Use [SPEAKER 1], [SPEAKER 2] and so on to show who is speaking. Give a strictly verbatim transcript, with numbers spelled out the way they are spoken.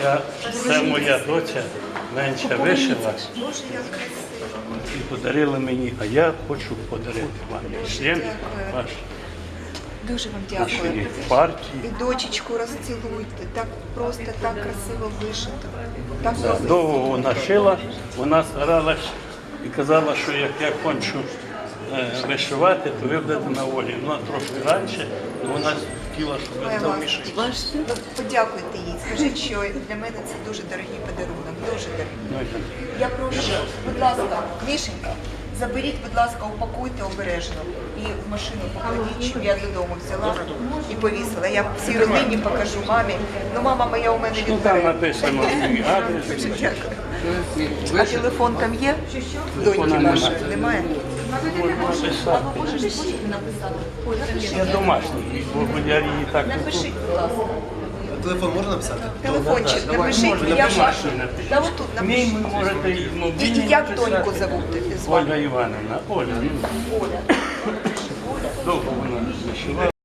[SPEAKER 1] Я, це моя доця менша вишила
[SPEAKER 2] Боже, як красиво.
[SPEAKER 1] і подарила мені, а я хочу подарити вам член
[SPEAKER 2] Дякую.
[SPEAKER 1] ваш
[SPEAKER 2] Дуже вам
[SPEAKER 1] нашої
[SPEAKER 2] дякую.
[SPEAKER 1] партії.
[SPEAKER 2] І дочечку розцілуйте. Так просто, так красиво вишито. Так
[SPEAKER 1] Да,
[SPEAKER 2] просто.
[SPEAKER 1] довго вона шила, вона старалась і казала, що як я кончу е, вишивати, то ви будете на волі. Вона трошки раніше, але вона хотіла, щоб ви
[SPEAKER 2] Моя
[SPEAKER 1] залишили.
[SPEAKER 2] ласка. Ну, подякуйте їй. Скажіть, що для мене це дуже дорогий подарунок. Дуже дорогий.
[SPEAKER 1] Ну, і-
[SPEAKER 2] Я прошу, будь ласка, Мішенька, заберіть, будь ласка, упакуйте обережно і в машину покладіть, щоб я додому взяла і повісила. Я всій родині покажу мамі. Ну, мама моя у мене
[SPEAKER 1] Ну, там
[SPEAKER 2] відбере.
[SPEAKER 1] написано мій адрес.
[SPEAKER 2] Дякую. А телефон там є? Доньки вашої немає?
[SPEAKER 1] Написати. Я домашній, бо я її так
[SPEAKER 2] Напишіть, будь ласка.
[SPEAKER 3] Телефон можна написати?
[SPEAKER 2] Телефончик, напишіть,
[SPEAKER 1] можна,
[SPEAKER 2] я ж.
[SPEAKER 1] домашній напишіть.
[SPEAKER 2] Та отут
[SPEAKER 1] Мій
[SPEAKER 2] напишіть.
[SPEAKER 1] ви можете і
[SPEAKER 2] І,
[SPEAKER 1] мобільний
[SPEAKER 2] і як
[SPEAKER 1] написати.
[SPEAKER 2] доньку зовут звати?
[SPEAKER 1] Ольга Івановна. Оля, ну,
[SPEAKER 2] Оля.
[SPEAKER 1] довго вона вишивала.